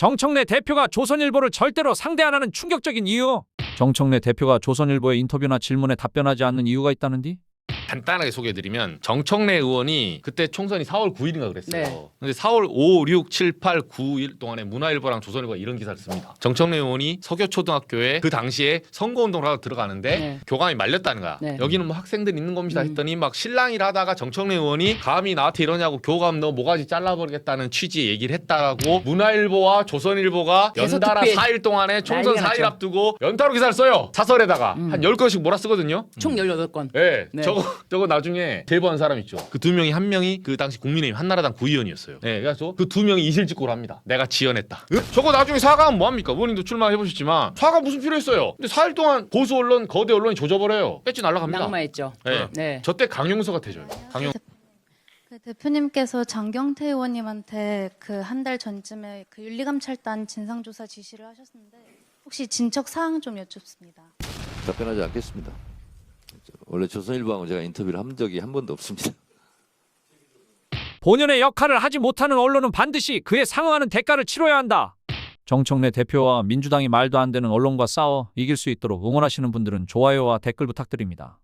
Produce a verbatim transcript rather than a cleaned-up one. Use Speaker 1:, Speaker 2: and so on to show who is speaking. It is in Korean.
Speaker 1: 정청래 대표가 조선일보를 절대로 상대 안 하는 충격적인 이유. 정청래 대표가 조선일보의 인터뷰나 질문에 답변하지 않는 이유가 있다는디?
Speaker 2: 간단하게 소개해드리면 정청래 의원이 그때 총선이 사월 구일인가 그랬어요.
Speaker 3: 네.
Speaker 2: 근데 사월 오, 육, 칠, 팔, 구 일 동안에 문화일보랑 조선일보가 이런 기사를 씁니다. 정청래 의원이 서교초등학교에 그 당시에 선거운동을 하러 들어가는데
Speaker 3: 네.
Speaker 2: 교감이 말렸다는 거야.
Speaker 3: 네.
Speaker 2: 여기는 뭐 학생들 있는 겁니다
Speaker 3: 음.
Speaker 2: 했더니 막 실랑이를 하다가 정청래 의원이 감히 나한테 이러냐고 교감 너 모가지 잘라버리겠다는 취지의 얘기를 했다라고 문화일보와 조선일보가 연달아
Speaker 3: 대서특필.
Speaker 2: 사 일 동안에 총선
Speaker 3: 난리가
Speaker 2: 사 일
Speaker 3: 났죠.
Speaker 2: 앞두고 연타로 기사를 써요. 사설에다가
Speaker 3: 음.
Speaker 2: 한 열 건씩 몰아쓰거든요.
Speaker 3: 총 열여덟 건.
Speaker 2: 네,
Speaker 3: 네.
Speaker 2: 저거 저거 나중에 제보한 사람 있죠. 그 두 명이 한 명이 그 당시 국민의힘 한나라당 구의원이었어요. 네, 그래서 그 두 명이 이실직고를 합니다. 내가 지연했다. 으? 저거 나중에 사과하면 뭐 합니까? 의원님도 출마해 보셨지만 사과 무슨 필요했어요? 근데 사 일 동안 보수 언론, 거대 언론이 조져버려요. 배지 날라갑니다.
Speaker 3: 낙마했죠.
Speaker 2: 네,
Speaker 3: 네.
Speaker 2: 저때 강용서가 되죠. 강용.
Speaker 4: 그 대표님께서 장경태 의원님한테 그 한 달 전쯤에 그 윤리감찰단 진상조사 지시를 하셨는데 혹시 진척 사항 좀 여쭙습니다.
Speaker 5: 답변하지 않겠습니다. 원래 조선일보하고 제가 인터뷰를 한 적이 한 번도 없습니다.
Speaker 1: 본연의 역할을 하지 못하는 언론은 반드시 그에 상응하는 대가를 치러야 한다. 정청래 대표와 민주당이 말도 안 되는 언론과 싸워 이길 수 있도록 응원하시는 분들은 좋아요와 댓글 부탁드립니다.